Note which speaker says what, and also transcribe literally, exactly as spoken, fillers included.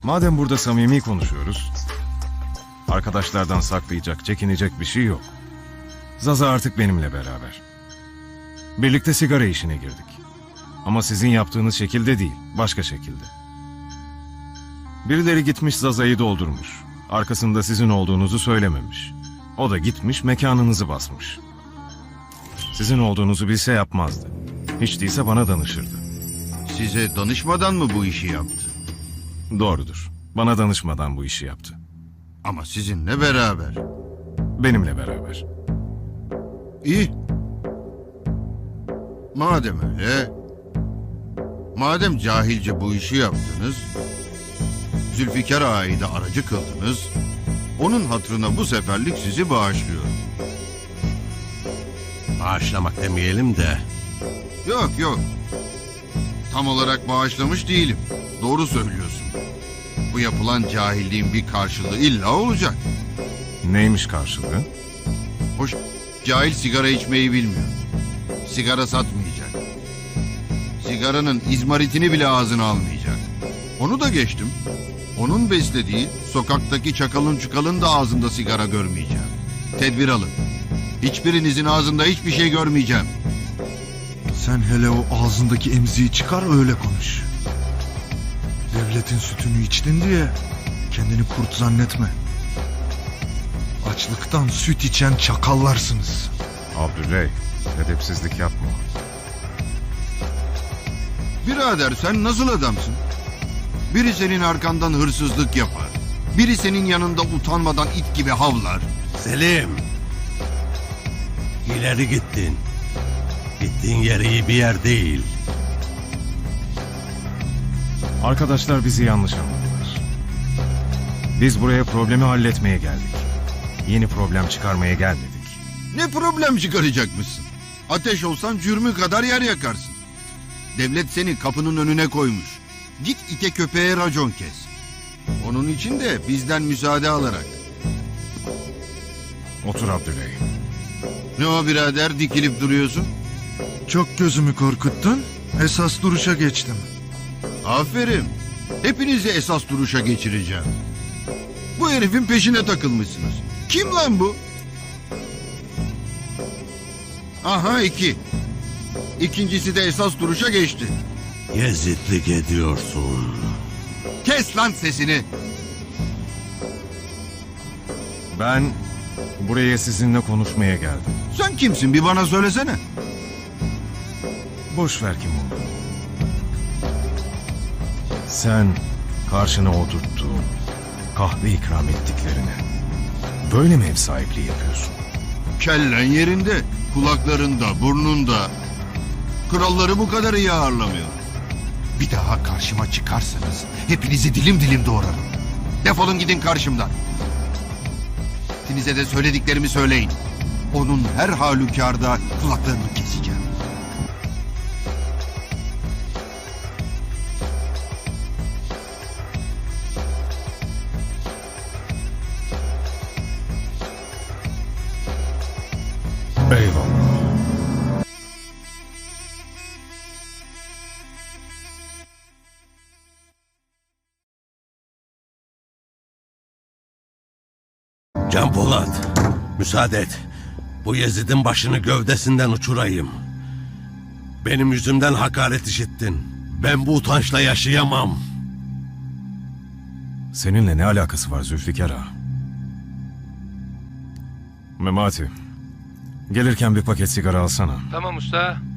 Speaker 1: Madem burada samimi konuşuyoruz, arkadaşlardan saklayacak, çekinecek bir şey yok. Zaza artık benimle beraber. Birlikte sigara işine girdik. Ama sizin yaptığınız şekilde değil, başka şekilde. Birileri gitmiş Zaza'yı doldurmuş. Arkasında sizin olduğunuzu söylememiş. O da gitmiş mekanınızı basmış. Sizin olduğunuzu bilse yapmazdı. Hiç değilse bana danışırdı.
Speaker 2: Size danışmadan mı bu işi yaptı?
Speaker 1: Doğrudur. Bana danışmadan bu işi yaptı.
Speaker 2: Ama sizinle beraber.
Speaker 1: Benimle beraber.
Speaker 2: İyi. Madem öyle, madem cahilce bu işi yaptınız, Zülfikar Ağa'yı da aracı kıldınız, onun hatırına bu seferlik sizi bağışlıyorum.
Speaker 3: Bağışlamak demeyelim de.
Speaker 2: Yok yok, tam olarak bağışlamış değilim. Doğru söylüyorsun. Bu yapılan cahilliğin bir karşılığı illa olacak.
Speaker 1: Neymiş karşılığı?
Speaker 2: Hoş, cahil sigara içmeyi bilmiyor. Sigara satmayacak. Sigaranın izmaritini bile ağzına almayacak. Onu da geçtim. Onun beslediği sokaktaki çakalın çukalın da ağzında sigara görmeyeceğim. Tedbir alın. Hiçbirinizin ağzında hiçbir şey görmeyeceğim.
Speaker 4: Sen hele o ağzındaki emziği çıkar öyle konuş. Devletin sütünü içtin diye kendini kurt zannetme. Açlıktan süt içen çakallarsınız.
Speaker 1: Abdüley, edepsizlik yapma.
Speaker 2: Birader sen nasıl adamsın? Biri senin arkandan hırsızlık yapar. Biri senin yanında utanmadan it gibi havlar.
Speaker 3: Selim. İleri gittin. Gittiğin yer iyi bir yer değil.
Speaker 1: Arkadaşlar bizi yanlış anladılar. Biz buraya problemi halletmeye geldik. Yeni problem çıkarmaya gelmedik.
Speaker 2: Ne problem çıkaracakmışsın? Ateş olsan cürmü kadar yer yakarsın. Devlet seni kapının önüne koymuş. Git ite köpeğe racon kes. Onun için de bizden müsaade alarak.
Speaker 1: Otur Abdüley.
Speaker 2: Ne o birader dikilip duruyorsun?
Speaker 4: Çok gözümü korkuttun. Esas duruşa geçtim.
Speaker 2: Aferin. Hepinizi esas duruşa geçireceğim. Bu herifin peşine takılmışsınız. Kim lan bu? Aha iki. İkincisi de esas duruşa geçti.
Speaker 3: Yezidlik ediyorsun.
Speaker 2: Kes lan sesini.
Speaker 1: Ben buraya sizinle konuşmaya geldim.
Speaker 2: Sen kimsin bir bana söylesene.
Speaker 1: Boş ver kim olduğunu. Sen karşına oturttuğun, kahve ikram ettiklerine böyle mi ev sahipliği yapıyorsun?
Speaker 2: Kellen yerinde, kulaklarında, burnunda. Kralları bu kadar iyi ağırlamıyor. Bir daha karşıma çıkarsanız hepinizi dilim dilim doğrarım. Defolun gidin karşımdan. Hepinize de söylediklerimi söyleyin. Onun her halükarda kulaklarını keseceğim.
Speaker 1: Eyvallah.
Speaker 3: Can Polat, müsaade et. Bu Yezid'in başını gövdesinden uçurayım. Benim yüzümden hakaret işittin. Ben bu utançla yaşayamam.
Speaker 1: Seninle ne alakası var Zülfikar Ağa? Memati, gelirken bir paket sigara alsana.
Speaker 5: Tamam usta.